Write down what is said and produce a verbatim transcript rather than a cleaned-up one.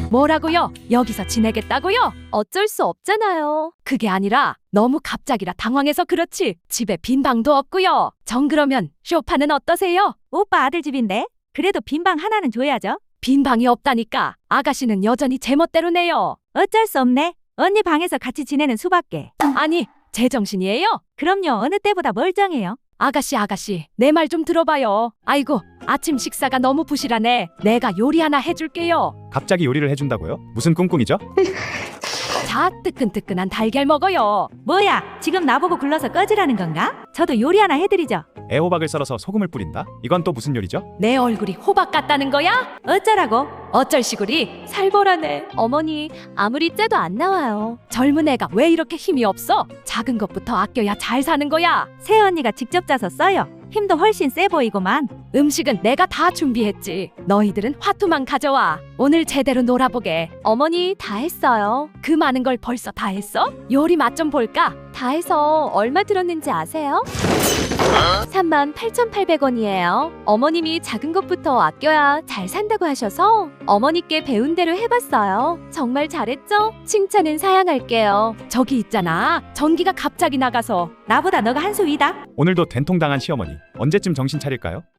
뭐라고요? 여기서 지내겠다고요? 어쩔 수 없잖아요. 그게 아니라 너무 갑작이라 당황해서 그렇지. 집에 빈 방도 없고요. 정 그러면 쇼파는 어떠세요? 오빠 아들 집인데? 그래도 빈방 하나는 줘야죠. 빈 방이 없다니까. 아가씨는 여전히 제멋대로 내요. 어쩔 수 없네. 언니 방에서 같이 지내는 수밖에. 아니, 제정신이에요? 그럼요. 어느 때보다 멀쩡해요. 아가씨 아가씨 내 말 좀 들어봐요. 아이고 아침 식사가 너무 부실하네. 내가 요리 하나 해줄게요. 갑자기 요리를 해준다고요? 무슨 꿍꿍이죠? 자 뜨끈뜨끈한 달걀 먹어요. 뭐야? 지금 나보고 굴러서 꺼지라는 건가? 저도 요리 하나 해드리죠. 애호박을 썰어서 소금을 뿌린다? 이건 또 무슨 요리죠? 내 얼굴이 호박 같다는 거야? 어쩌라고? 어쩔 시구리. 살벌하네. 어머니, 아무리 째도 안 나와요. 젊은 애가 왜 이렇게 힘이 없어? 작은 것부터 아껴야 잘 사는 거야. 새언니가 직접 짜서 써요. 힘도 훨씬 세 보이고만. 음식은 내가 다 준비했지. 너희들은 화투만 가져와. 오늘 제대로 놀아보게. 어머니, 다 했어요. 그 많은 걸 벌써 다 했어? 요리 맛 좀 볼까? 다 해서 얼마 들었는지 아세요? 삼만 팔천팔백 원이에요. 어머님이 작은 것부터 아껴야 잘 산다고 하셔서 어머니께 배운 대로 해봤어요. 정말 잘했죠? 칭찬은 사양할게요. 저기 있잖아. 전기가 갑자기 나가서. 나보다 너가 한 수 위다. 오늘도 된통당한 시어머니. 언제쯤 정신 차릴까요?